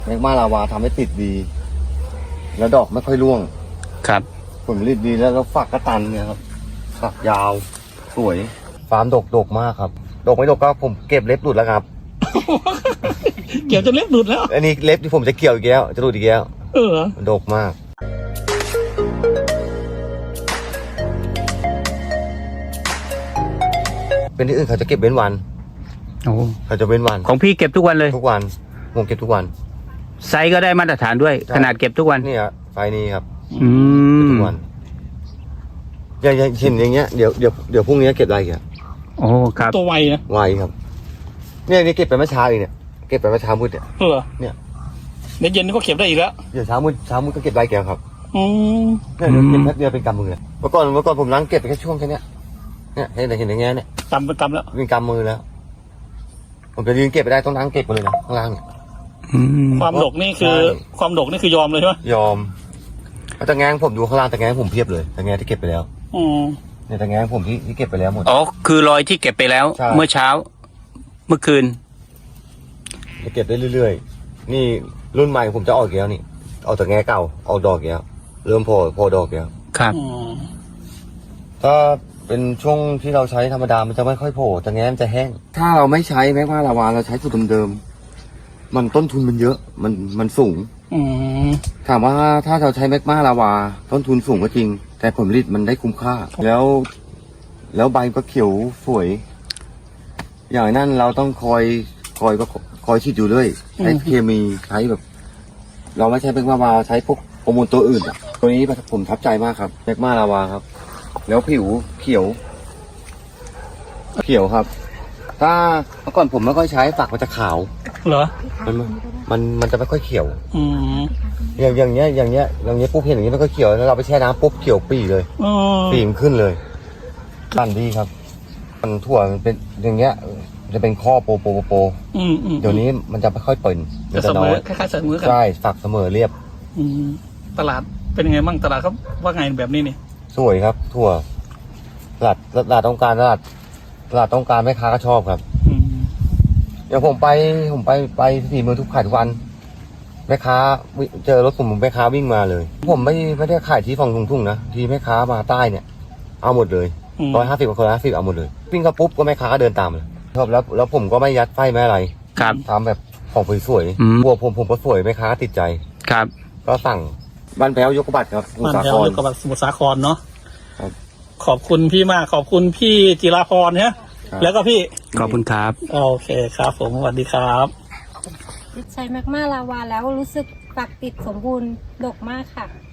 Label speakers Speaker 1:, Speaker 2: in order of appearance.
Speaker 1: แมกมาลาวาทำให้ติดดี แล้วดอกไม่ค่อยร่วง
Speaker 2: ครับ
Speaker 1: ผลผลิตดีแล้วฝักกระตันเนี่ยครับฝักยาวสวยฟาร์มดกมากครับดกไม่ดกก็ผมเก็บเล็บหลุดแล้วครับ
Speaker 2: เกี่ยวจนเล็บหลุดแล้ว
Speaker 1: อันนี้เล็บที่ผมจะเกี่ยวอีกแล้วจะหลุดอีกแล้วมันดกมากเป็นที่อื่นเขาจะเก็บเว้นวันเขาจะเว้นวัน
Speaker 2: ของพี่เก็บทุกวันเลย
Speaker 1: ทุกวันผมเก็บทุกวัน
Speaker 2: ไซส์ก็ได้มาตรฐานด้วยขนาดเก็บทุกวัน
Speaker 1: นี่ครับไฟนี้ครับทุกวันอย่างเช่นอย่างเงี้ยเดี๋ยวพรุ่งนี้เก็บอะไรกัน
Speaker 2: โอ้ครับ
Speaker 3: ตัวไวนะ
Speaker 1: ไวครับเนี่ยนี่เก็บไปเมื่อเช้าอีกเนี่ยเก็บไปเมื่อเช้ามืดเนี่ยเนี่ย
Speaker 3: ในเย็นก็เก็บได้อีกแล้ว
Speaker 1: เดี๋ยวเช้ามืดก็เก็บได้แกครับเนี่ยเก็บแป๊บเดียวเป็นกำมือเลยเมื่อก่อนผมล้างเก็บไปแค่ช่วงแค่นี้เนี่ยเห็นอย่างเงี้ยเนี่ย
Speaker 3: กำเป็นกำแล้ว
Speaker 1: เป็นกำมือแล้วผมจะยืนเก็บไปได้ต้องล้างเก็บไปเลยนะข้างล่างเนี่ย
Speaker 3: ความดกนี่คือความดกนี่คือยอมเลยใช่ไหม
Speaker 1: ยอมแต่แงงผมดูข้างล่างแต่แงงผมเพียบเลยแต่แงงที่เก็บไปแล้วเนี่ยแต่แงงผมที่เก็บไปแล้วหมด
Speaker 2: อ๋อคือรอยที่เก็บไปแล้วเมื่อเช้าเมื่อคืน
Speaker 1: จะเก็บได้เรื่อยๆนี่รุ่นใหม่ผมจะออกแล้วนี่เอาแต่แงงเก่าออกดอกแล้วเริ่มพอดอกแล้ว
Speaker 2: ครับ
Speaker 1: ถ้าเป็นช่วงที่เราใช้ธรรมดามันจะไม่ค่อยโผล่แต่แง้มจะแห้งถ้าเราไม่ใช้แมกมาลาวาเราใช้สูตรเดิมๆมันต้นทุนมันเยอะมันสูงถามว่าถ้าเราใช้แมกมาลาวาต้นทุนสูงก็จริงแต่ผลผลิตมันได้คุ้มค่าแล้วใบก็เขียวสวยอย่างนั้นเราต้องคอยฉีดอยู่เรื่อยใช้เคมีใช้แบบเราไม่ใช้แมกมาลาวาใช้พวกฮอร์โมนตัวอื่นตัวนี้ผมทับใจมากครับแมกมาลาวาครับแล้วผิวเขียวครับถ้าเมื่อก่อนผมไม่ค่อยใช้ฝักมันจะขาว
Speaker 3: เหรอ
Speaker 1: มันจะไม่ค่อยเขียวอย่างเงี้ยปุ๊บเห็นอย่างนี้มันก็เขียวแล้วเราไปแช่น้ำปุ๊บเขียวปีเลยปีมขึ้นเลยปั่นดีครับมันถั่วมันเป็นอย่างเงี้ยจะเป็นข้อโปเดี๋ยวนี้มันจะไม่ค่อยเปิ่น
Speaker 3: จะเสมอคล้ายๆเสมอกัน
Speaker 1: ใช่ฝักเสมอเรียบ
Speaker 3: ตลาดเป็นยังไงบ้างตลาดเขาว่าไงแบบนี้นี่
Speaker 1: สวยครับถั่วตลาดต้องการตลาดต้องการแม่ค้าก็ชอบครับเดี๋ยวผมไปที่เมืองทุกขายทุกวันแม่ค้าเจอรถผมแม่ค้าวิ่งมาเลยผมไม่ได้ขายที่ฝั่งทุ่งนะที่แม่ค้ามาใต้เนี่ยเอาหมดเลย150กับคนละ50เอาหมดเลยวิ่งเข้าปุ๊บก็แม่ค้าก็เดินตามเลยชอบแล้วผมก็ไม่ยัดไฟไม่อะไร
Speaker 2: ครับ
Speaker 1: ทำแบบของสวยๆบัวผมก็สวยแม่ค้าติดใจ
Speaker 2: ครับ
Speaker 1: ก็สั่งบ้านแพ้วยกบัตรครับ
Speaker 3: บ้านแพ้วยกบัตรสมุทรสาครเนาะขอบคุณพี่มากขอบคุณพี่จิราพรเนี่ยแล้วก็พี่
Speaker 2: ขอบคุณครับ
Speaker 3: โอเคครับผมสวัสดีครับ
Speaker 4: ใช้แมกมาลาวาแล้วรู้สึกฝักติดสมบูรณ์ดกมากค่ะ